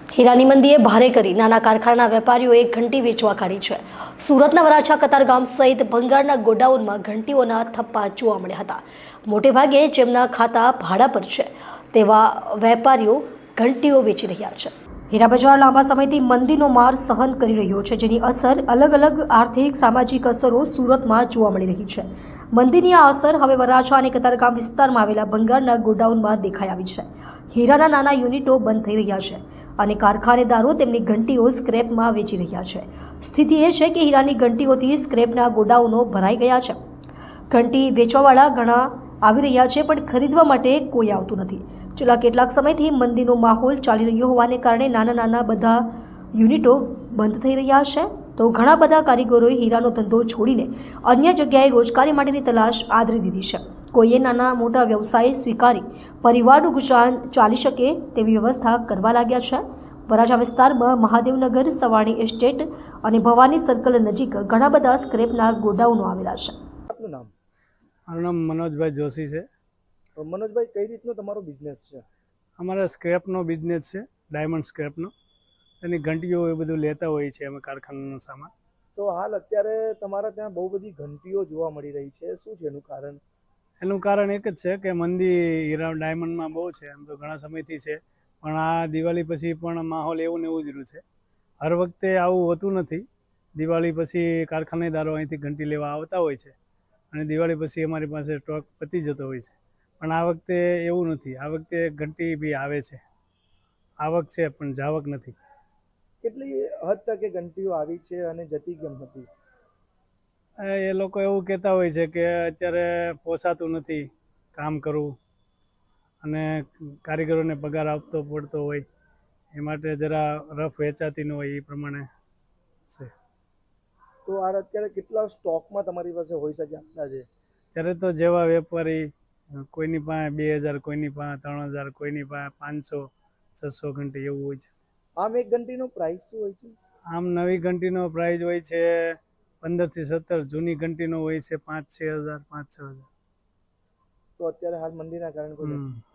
હીરાની મંદીએ ભારે કરી નાના કારખાના વેપારીઓએ ઘંટી વેચવા કાઢી છે। સુરતના વરાછા કતારગામ સહિત ભંગારના ગોડાઉનમાં ઘંટીઓના થપ્પા જોવા મળ્યા હતા। મોટેભાગે જેમના ખાતા ભાડા પર છે તેવા વેપારીઓ ઘંટીઓ વેચી રહ્યા છે। હીરા બજાર લાંબા સમયથી મંદીનો માર સહન કરી રહ્યો છે, જેની અસર અલગ અલગ આર્થિક સામાજિક અસરો સુરતમાં જોવા મળી રહી છે। મંદીની આ અસર હવે વરાછા અને કતારગામ વિસ્તારમાં આવેલા ભંગારના ગોડાઉનમાં દેખાઈ આવી છે। હીરાના નાના યુનિટો બંધ થઈ રહ્યા છે અને કારખાનેદારો તેમની ઘંટીઓ સ્ક્રેપમાં વેચી રહ્યા છે। સ્થિતિ એ છે કે હીરાની ઘંટીઓથી સ્ક્રેપના ગોડાઉનો ભરાઈ ગયા છે। ઘંટી વેચવાવાળા ઘણા આવી રહ્યા છે, પણ ખરીદવા માટે કોઈ આવતું નથી। છેલ્લા કેટલાક સમયથી મંદીનો માહોલ ચાલી રહ્યો હોવાને કારણે નાના બધા યુનિટો બંધ થઈ રહ્યા છે, તો ઘણા બધા કારીગરોએ હીરાનો ધંધો છોડીને અન્ય જગ્યાએ રોજગારી માટેની તલાશ આદરી દીધી છે। કોઈએ નાના મોટા વ્યવસાય સ્વીકારી પરિવારનું ગુજરાન ચાલી શકે તેવી વ્યવસ્થા કરવા લાગ્યા છે। વરાછા વિસ્તારમાં મહાદેવનગર, સવાણી એસ્ટેટ અને ભવાની સર્કલ નજીક ઘણા બધા સ્ક્રેપના ગોડાઉનો આવેલા છે। આપનું નામ? મારું નામ મનોજભાઈ જોશી છે। મનોજભાઈ, કઈ રીતનો તમારો બિઝનેસ છે? અમારા સ્ક્રેપનો બિઝનેસ છે, ડાયમંડ સ્ક્રેપનો। એની ઘંટીઓ એ બધું લેતા હોઈએ છીએ અમે, કારખાનાનો સામાન। તો હાલ અત્યારે તમારા ત્યાં બહુ બધી ઘંટીઓ જોવા મળી રહી છે, શું છે એનું કારણ? એનું કારણ એક જ છે કે મંદી હીરા ડાયમંડમાં બહુ છે, એમ તો ઘણા સમયથી છે, પણ આ દિવાળી પછી પણ માહોલ એવું ને એવું જ રહ્યું છે। હર વખતે આવું હોતું નથી। દિવાળી પછી કારખાનેદારો અહીંથી ઘંટી લેવા આવતા હોય છે અને દિવાળી પછી અમારી પાસે સ્ટોક પતી જતો હોય છે, પણ આ વખતે એવું નથી। આ વખતે ઘંટી બી આવે છે, આવક છે પણ જાવક નથી। કેટલી હદ તક એ ઘંટીઓ આવી છે અને જતી કેમ હતી? એ લોકો એવું કહેતા હોય છે કે અત્યારે પોસાતું નથી કામ કરવું અને કારીગરોને પગાર આપતો પડતો હોય, એ માટે જરા રફ વેચાતી ન હોય, એ પ્રમાણે છે। તો આ અત્યારે કેટલા સ્ટોકમાં તમારી પાસે હોઈ શકે અંદાજે? ત્યારે તો જેવા વેપારી, કોઈની પાસે 2000, કોઈની પાસે 3000, કોઈની પાસે 500, 600 ઘંટી એવું હોય છે। આમ એક ઘંટીનો પ્રાઇસ શું હોય છે? આમ નવી ઘંટીનો પ્રાઇસ હોય છે 15 થી 17, જૂની ઘંટીનો હોય છે 5-6 હજાર, 5-6 હજાર। તો અત્યારે હાલ મંદીના કારણે કોઈ